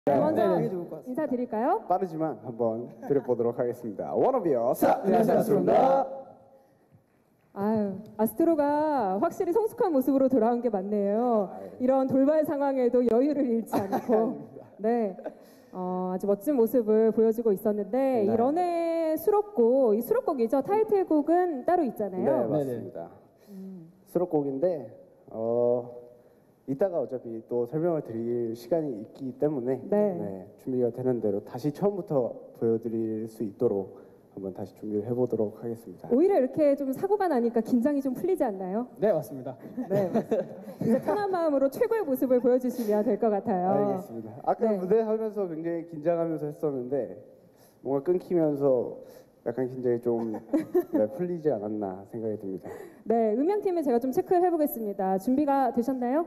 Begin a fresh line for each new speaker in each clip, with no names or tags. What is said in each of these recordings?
먼저
되게 좋을 것 같습니다.
인사드릴까요?
빠르지만 한번 드려보도록 하겠습니다. 워너비어
안녕하세요, 아스트로입니다.
아유, 아스트로가 확실히 성숙한 모습으로 돌아온 게 맞네요. 이런 돌발 상황에도 여유를 잃지 않고 네, 아주 멋진 모습을 보여주고 있었는데
네.
이 런의 수록곡, 이 수록곡이죠. 타이틀곡은 따로
네,
있잖아요.
맞습니다. 수록곡인데 이따가 어차피 또 설명을 드릴 시간이 있기 때문에
네.
준비가 되는 대로 다시 처음부터 보여드릴 수 있도록 한번 다시 준비를 해보도록 하겠습니다.
오히려 이렇게 좀 사고가 나니까 긴장이 좀 풀리지 않나요?
네, 맞습니다.
네, 맞습니다. 이제 편한 마음으로 최고의 모습을 보여주시면 될 것 같아요.
알겠습니다. 아까
네.
무대 하면서 굉장히 긴장하면서 했었는데 뭔가 끊기면서 약간 긴장이 좀 풀리지 않았나 생각이 듭니다.
네, 음향팀을 제가 좀 체크를 해보겠습니다. 준비가 되셨나요?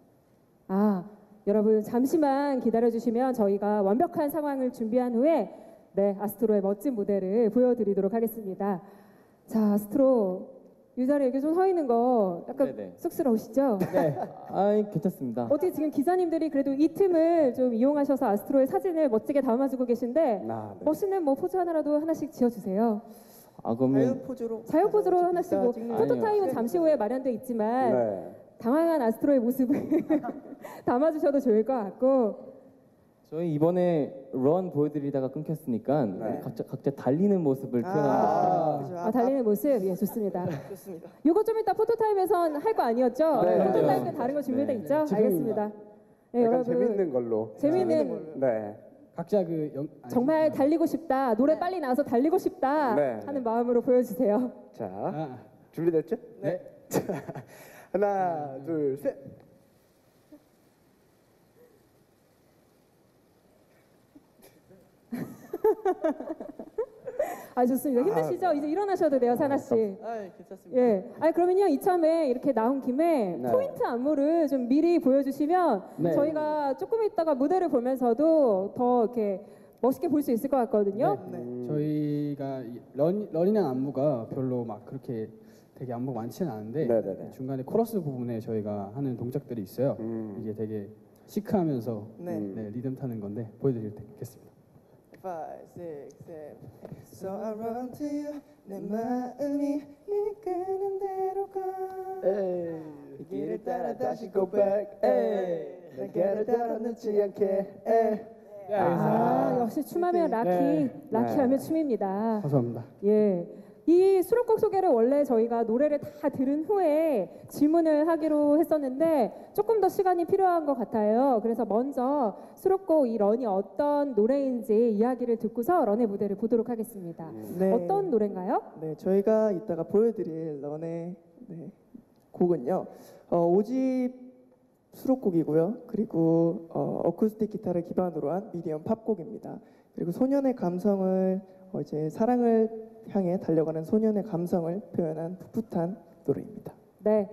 여러분 잠시만 기다려주시면 저희가 완벽한 상황을 준비한 후에 네, 아스트로의 멋진 무대를 보여드리도록 하겠습니다. 자, 아스트로 이 자리에 이렇게 좀 서 있는 거 약간
네네.
쑥스러우시죠?
네, 아이 괜찮습니다.
어떻게 지금 기자님들이 그래도 이 틈을 좀 이용하셔서 아스트로의 사진을 멋지게 담아주고 계신데
네.
멋있는 뭐 포즈 하나라도 하나씩 지어주세요.
아 그러면
자유 포즈로.
자유 포즈로 하나씩 뭐
찍는
포토타임은
아니요.
잠시 후에 마련돼 있지만
네.
당황한 아스트로의 모습을 담아주셔도 좋을 것 같고
저희 이번에 런 보여드리다가 끊겼으니까
네.
각자 달리는 모습을 표현하는
그죠.
달리는 모습 예 좋습니다.
좋습니다.
요거 좀 이따 포토타임에선 할 거 아니었죠?
네,
포토타임 때
네.
다른 거 준비돼
네.
있죠?
지금입니다.
알겠습니다. 네,
약간
여러분
재밌는 걸로.
재밌는
네.
각자
정말 달리고 싶다 노래 빨리 나와서 달리고 싶다
네.
하는 마음으로 보여주세요.
자, 준비됐죠?
네.
하나, 둘, 셋.
좋습니다. 힘드시죠? 이제 일어나셔도 돼요, 사나 씨.
괜찮습니다.
예. 그러면요 이참에 이렇게 나온 김에
네.
포인트 안무를 좀 미리 보여주시면
네.
저희가 조금 있다가 무대를 보면서도 더 이렇게 멋있게 볼 수 있을 것 같거든요.
저희가 이 런이랑 안무가 별로 막 그렇게 되게 안무가 많지는 않은데
네네네.
중간에 코러스 부분에 저희가 하는 동작들이 있어요. 이게 되게 시크하면서 네, 리듬 타는 건데 보여드리겠습니다.
5, 6, 7 So I run to you 내 마음이 이끄는 대로 가 이 길을 따라 다시 go back 내 길을 따라 늦지 않게
역시 춤하면 라키하면 춤입니다.
감사합니다.
예. 이 수록곡 소개를 원래 저희가 노래를 다 들은 후에 질문을 하기로 했었는데 조금 더 시간이 필요한 것 같아요. 그래서 먼저 수록곡 이 런이 어떤 노래인지 이야기를 듣고서 런의 무대를 보도록 하겠습니다.
네.
어떤 노래인가요?
네, 저희가 이따가 보여드릴 런의 곡은요 5집 수록곡이고요. 그리고 어쿠스틱 기타를 기반으로 한 미디엄 팝곡입니다. 그리고 소년의 감성을 이제 사랑을 향해 달려가는 소년의 감성을 표현한 풋풋한 노래입니다.
네.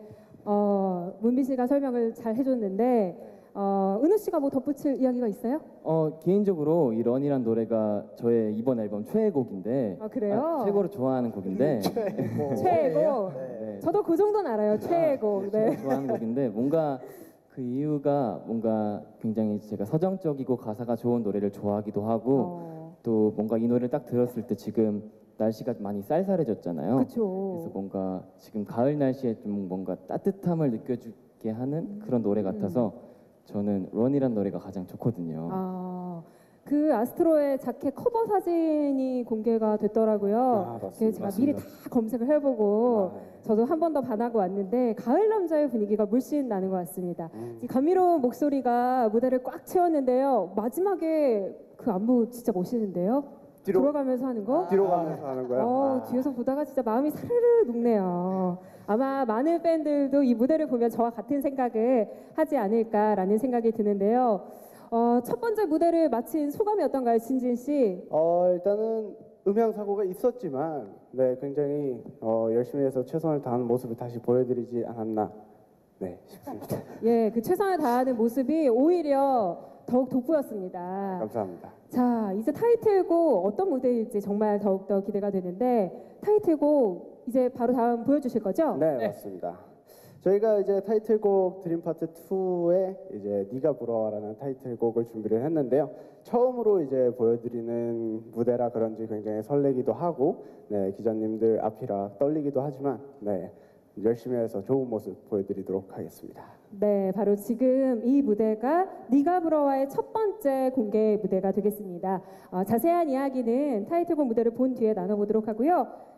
문비 씨가 설명을 잘 해줬는데 은우 씨가 뭐 덧붙일 이야기가 있어요?
개인적으로 이 런이란 노래가 저의 이번 앨범 최애곡인데
그래요?
최고로 좋아하는 곡인데
최애곡.
네.
저도 그 정도는 알아요. 최애곡. 네.
제가 좋아하는 곡인데 뭔가 그 이유가 뭔가 굉장히 제가 서정적이고 가사가 좋은 노래를 좋아하기도 하고 또 뭔가 이 노래를 딱 들었을 때 지금 날씨가 많이 쌀쌀해졌잖아요.
그렇죠.
그래서 뭔가 지금 가을 날씨에 좀 뭔가 따뜻함을 느껴주게 하는 그런 노래 같아서 저는 런이란 노래가 가장 좋거든요.
그 아스트로의 자켓 커버 사진이 공개가 됐더라고요.
맞습니다.
그래서 제가 미리 다 검색을 해보고 저도 한 번 더 반하고 왔는데 가을 남자의 분위기가 물씬 나는 것 같습니다. 이 감미로운 목소리가 무대를 꽉 채웠는데요. 마지막에 그 안무 진짜 멋있는데요. 돌아가면서 하는 거?
뒤로 가면서 하는 거야?
뒤에서 보다가 진짜 마음이 사르르 녹네요. 아마 많은 팬들도 이 무대를 보면 저와 같은 생각을 하지 않을까라는 생각이 드는데요. 첫 번째 무대를 마친 소감이 어떤가요, 진진 씨?
일단은 음향 사고가 있었지만 굉장히 열심히 해서 최선을 다하는 모습을 다시 보여드리지 않았나 싶습니다.
예, 그 최선을 다하는 모습이 오히려 더욱 돋보였습니다.
감사합니다.
자, 이제 타이틀곡 어떤 무대일지 정말 더욱더 기대가 되는데 타이틀곡 이제 바로 다음 보여주실 거죠?
네, 맞습니다. 저희가 이제 타이틀곡 드림 파트 2에 이제 네가 부러워라는 타이틀곡을 준비를 했는데요. 처음으로 이제 보여드리는 무대라 그런지 굉장히 설레기도 하고, 네, 기자님들 앞이라 떨리기도 하지만, 네, 열심히 해서 좋은 모습 보여드리도록 하겠습니다.
네, 바로 지금 이 무대가 네가 부러워의 첫 번째 공개 무대가 되겠습니다. 자세한 이야기는 타이틀곡 무대를 본 뒤에 나눠보도록 하고요.